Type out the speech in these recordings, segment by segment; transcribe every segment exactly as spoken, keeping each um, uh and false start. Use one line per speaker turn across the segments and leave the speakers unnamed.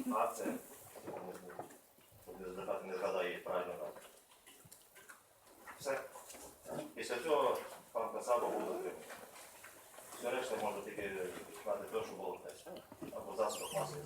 акція, депутат не згадає її правильно назву. Все. Після цього пан Кацаба буде отримати. Все решта можна тільки знати те, що було десь. Або засобах масової.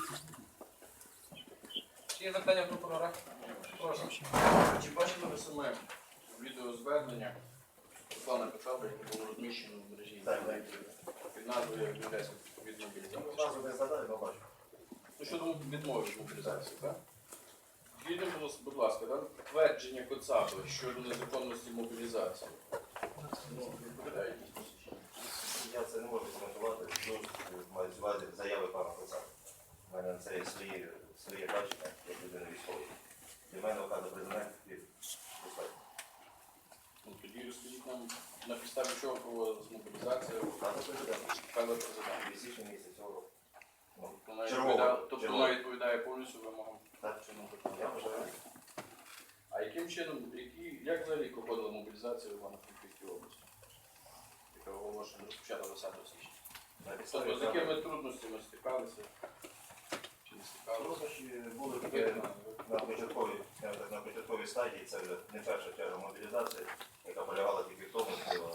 Чи є запитання прокурора? Прошу.
Чи бачили ви саме відеозвернення Руслана Кацаби, яке було розміщено в мережі
Так,
під назвою «Відмовляється від мобілізації»?
Назву не згадаю, але бачу.
Ну, щодо відмови від мобілізації, так? Відомо, будь ласка, так? Твердження Кацаби щодо незаконності мобілізації. Ну, відповідає дійсності?
Я це не можу коментувати, дуже маю з увазі заяви пана Кацаби. У мене на це є свої, своє бачення, як людина військової. Для мене указу президента і достатньо.
Ну, тоді розкажіть нам, на підставі чого проводилась мобілізація?
Указу президента.
Певно президент.
В січні місяці цього року. Ну,
Вона
червоно,
відповідає, тобто
червоно.
вона відповідає повністю вимогам
Так.
чинного
Я
законодавства.
вважаю.
А яким чином, які, як взагалі проходила мобілізація в Івано-Франківській області, яка оголошена розпочата двадцятого січня?
На підставі
Тобто з
указу-
якими трудностями стикалися? Чи не стикалися?
Труднощі були такі на початковій, скажімо так, на початковій стадії, це вже не перша черга мобілізації, яка полягала тільки в тому, що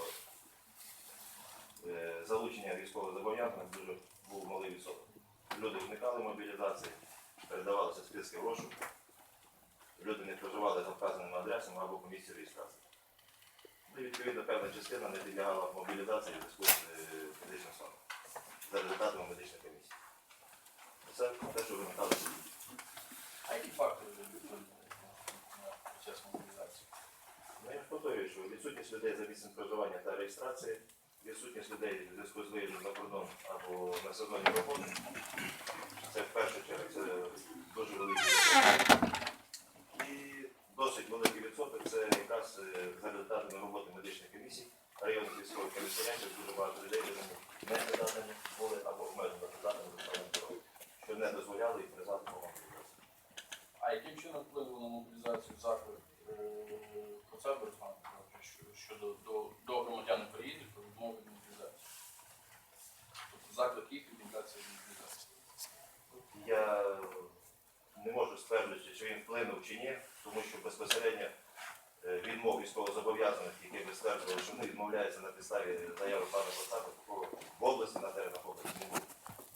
е, залучення військових зобов'язаних дуже був малий відсоток. Люди уникали мобілізації, передавалися списки в розшук, люди не проживали за вказаними адресами або по місці реєстрації. Ну, і відповідно певна частина не підлягала мобілізації в зв'язку з е, медичним станом за результатами медичної комісії. Це те, що виникало в суді.
А які фактори вплинули на процес мобілізації?
Ну, я ж повторюю, що відсутність людей за місцем проживання та реєстрації, відсутність людей в зв'язку з виїздом за кордон або на сезонні роботи, це в першу чергу це дуже великий відсоток. І досить великий відсоток це якраз е, за результатами роботи медичних комісій, районних військових комісаріатів, дуже багато людей не придатні були або обмежено придатні до стану здоров'я, що не дозволяли їх призвати по мобілізації.
А яким чином вплинуло на мобілізацію заклик Кацаби Руслана Петровича щодо до, до громадян України про відмову від мобілізації? Тобто заклик їх відмовлятися від мобілізації.
Я не можу стверджувати, чи він вплинув чи ні, тому що безпосередньо е, відмов військовозобов'язаних, які ви стверджували, що вони відмовляються на підставі заяви пана Кацаби, такого в області, на теренах області не було.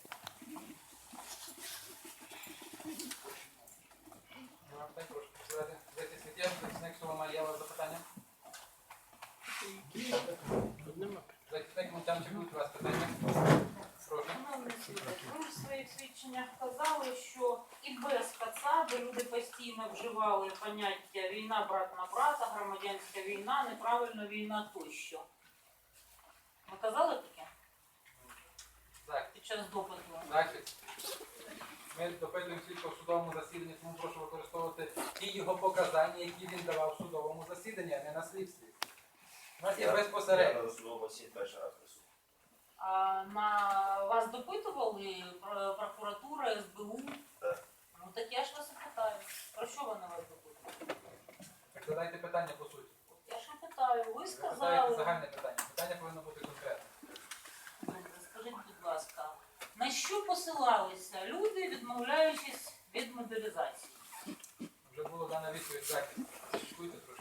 Прошу. Захисник, захисник Соломай, є у вас запитання? Захисник Монтянчик, будуть у вас питання? Прошу.
Шановний суд, ви в своїх свідченнях казали, що і без Кацаби люди постійно вживали поняття війна брат на брата, громадянська війна, неправильна війна тощо. Ви казали таке
Так,
під час допиту?
захист. Ми допитуємо свідка в судовому засіданні, тому прошу використовувати ті його показання, які він давав в судовому засіданні, а не на слідстві. У нас є
Я
безпосередньо.
на судовому засіданні перший раз присутній.
А на вас допитували про- прокуратура, ес бе у?
Так.
Ну так я ж вас і питаю. Про що вони вас допитували?
Так, задайте питання по суті.
Я ж і питаю, ви
Задайте
сказали.
загальне питання. Питання повинно бути конкретне.
Добре, скажіть, будь ласка, на що посилалися люди, відмовляючись від мобілізації?
Вже було дана відповідь захист. Слідкуйте трошки.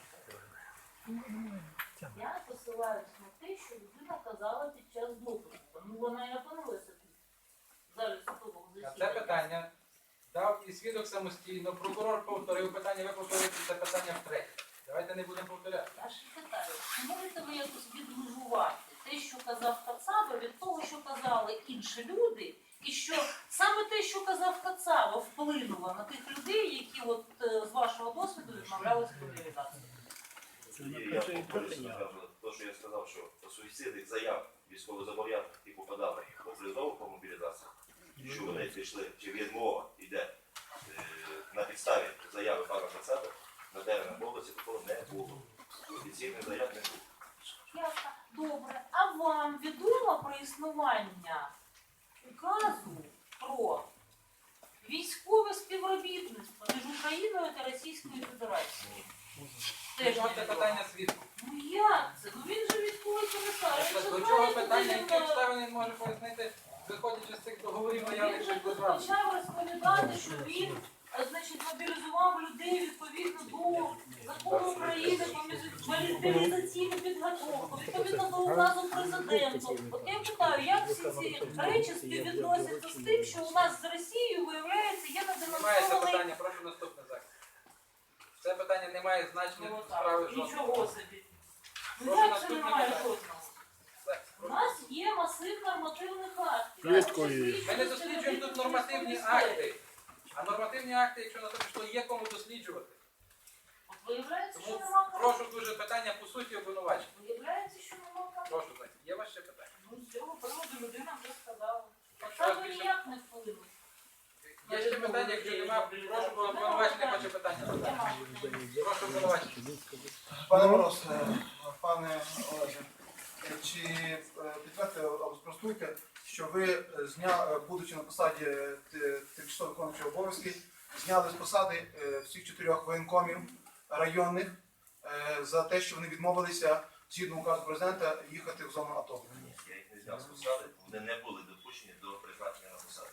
Я посилаюсь на те, що людина казала під час допиту. Ну вона і опинилася тут, в залі судового
На
засідання.
це питання дав і свідок самостійно, прокурор повторив питання, ви повторюєте це питання втретє. Давайте не будемо повторяти.
Я ж і питаю, чи можете ви якось відмежувати те, що казав Кацаба, від того, що казали інші люди, і що саме те, що казав Кацаба, вплинуло на тих людей, які от е, з вашого досвіду відмовлялися від мобілізації?
Я повторюю, те, що я сказав, що по суїцидних заяв військовозобов'язаних, які попадали по призову по мобілізації, що вони пішли, чи відмова йде е, на підставі заяви пана Кацаби, на теренах області такого не було. Офіційних заяв не було.
Ясно. Добре. А вам відомо про існування указу про військове співробітництво між Україною та Російською Федерацією? Теж
Чого це
невідомо.
питання свідку?
Ну як це? Ну він же військовий комісар. Він же
До
знає,
чого
куди
питання,
він,
які
е,
обставини він може пояснити виходячи з цих договорів
Він
наявних
же
між
тут
державами.
почав розповідати, що він е, значить, мобілізував людей відповідно до закону України про мобілізаційну підготовку, відповідно до указу президента. От я питаю, як всі ці речі співвідносяться з тим, що у нас з Росією, виявляється, є
Немає це
неденонсований...
питання, прошу наступне захист. Це питання не має значення
Ну,
до справи
так,
жодного.
нічого собі. Ну
Прошу
як це
наступне
немає
питання.
жодного?
Захист,
У
прошу.
нас є масив нормативних актів.
Швидкої.
Ми не досліджуємо тут нормативні акти. А нормативні акти, якщо на те пішло, є кому досліджувати.
От виявляється, що
Тому
нема кому.
прошу дуже питання по суті обвинувачення.
Виявляється, що нема кому.
Прошу, Зайця. Є у вас ще питання?
Ну, з цього приводу людина вже сказала.
Якщо у вас
Саме
більше-
ніяк не вплине.
Є ще питання, якщо немає, прошу по обвинувачення, хоче питання задати. Прошу обвинувачення.
Пане Мороз, е, пане Олеже, е, чи е, підтвердите або спростуйте, що ви, е, зня, е, будучи на посаді е, т- тимчасово виконуючого обов'язки, зняли з посади е, всіх чотирьох воєнкомів районних е, за те, що вони відмовилися згідно указу президента їхати в зону АТО?
Ні, я їх не зняв з посади, вони не були допущені до призначення на посаду.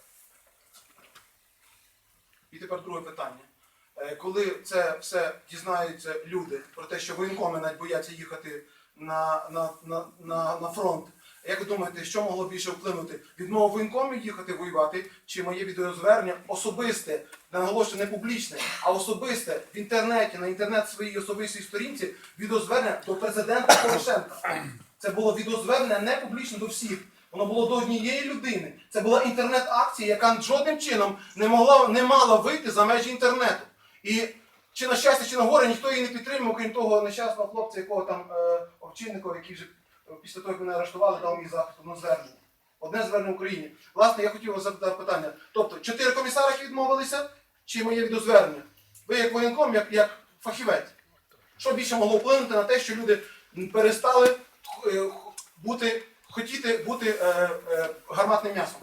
І тепер друге питання. Е, Коли це все дізнаються люди про те, що воєнкоми навіть бояться їхати на, на, на, на, на фронт, як ви думаєте, що могло більше вплинути? Відмова воєнкомів їхати воювати, чи моє відеозвернення особисте, наголошую, не публічне, а особисте в інтернеті, на інтернет своїй особистій сторінці, відеозвернення до президента Порошенка. Це було відеозвернення не публічно до всіх. Воно було до однієї людини. Це була інтернет-акція, яка жодним чином не могла, не мала вийти за межі інтернету. І чи на щастя, чи на горе, ніхто її не підтримав, крім того нещасного хлопця, якого там е, Овчинникова, який вже е, після того, як мене арештували, дав мій захист, одне звернення. Одне звернення в Україні. Власне, я хотів вас запитати питання. Тобто, чотири комісари, які відмовилися, чи моє відеозвернення? Ви як воєнком, як, як фахівець. Що більше могло вплинути на те, що люди перестали е, бути, хотіти бути е, е, гарматним м'ясом?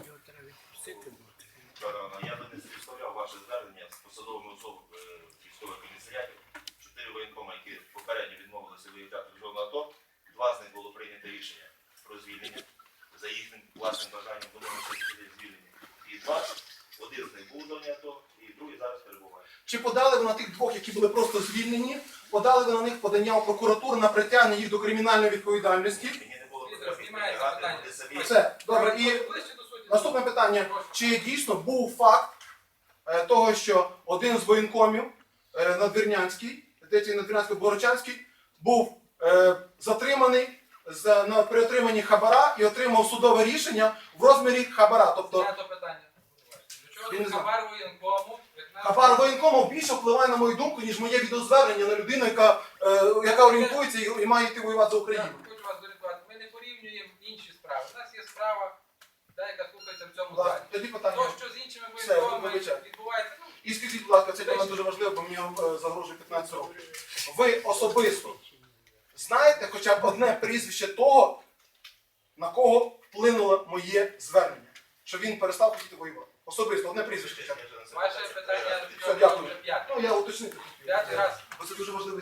Я би не співставляв ваше звернення з посадовими особами е, військових комісаріатів. Чотири воєнкоми, які попередньо відмовилися виїжджати в зону АТО, два з них було прийнято рішення про звільнення. За їхнім власним бажанням вони були звільнені. І два, один з них був в зоні АТО, і другий зараз перебуває.
Чи подали ви на тих двох, які були просто звільнені, подали ви на них подання в прокуратуру на притягнення їх до кримінальної відповідальності?
Мені не було
Віктор,
потрібно
знімається
притягати,
питання.
вони самі.
Все, добре. І
Ближче до суті.
наступне питання. Чи дійсно був факт е, того, що один з воєнкомів е, Надвірнянський, здається, Надвірнянський Борочанський, був е, затриманий за, на, при отриманні хабара і отримав судове рішення в розмірі хабара. Тобто
Знято питання. До чого
Він
тут
не знає.
хабар воєнкому?
хабар воєнкому більше впливає, на мою думку, ніж моє відеозвернення на людину, яка, е, яка орієнтується і, і має йти воювати за Україну.
Я хочу вас зорієнтувати. Ми не порівнюємо інші справи. У нас є справа, та, яка слухається в цьому
Будь ласка,
залі.
тоді питання.
То, що з іншими
Все,
воєнкомами
вибачайте.
відбувається, ну,
І скажіть, будь ласка, це для мене дуже важливо, бо мені е, загрожує п'ятнадцять років. Ви особисто знаєте хоча б одне прізвище того, на кого вплинуло моє звернення? Що він перестав хотіти воювати. Особисто, одне прізвище хоча б.
ваше питання
Все, дякую.
вже п'яте.
Ну, я уточнити.
П'ятий раз.
Бо це дуже важливий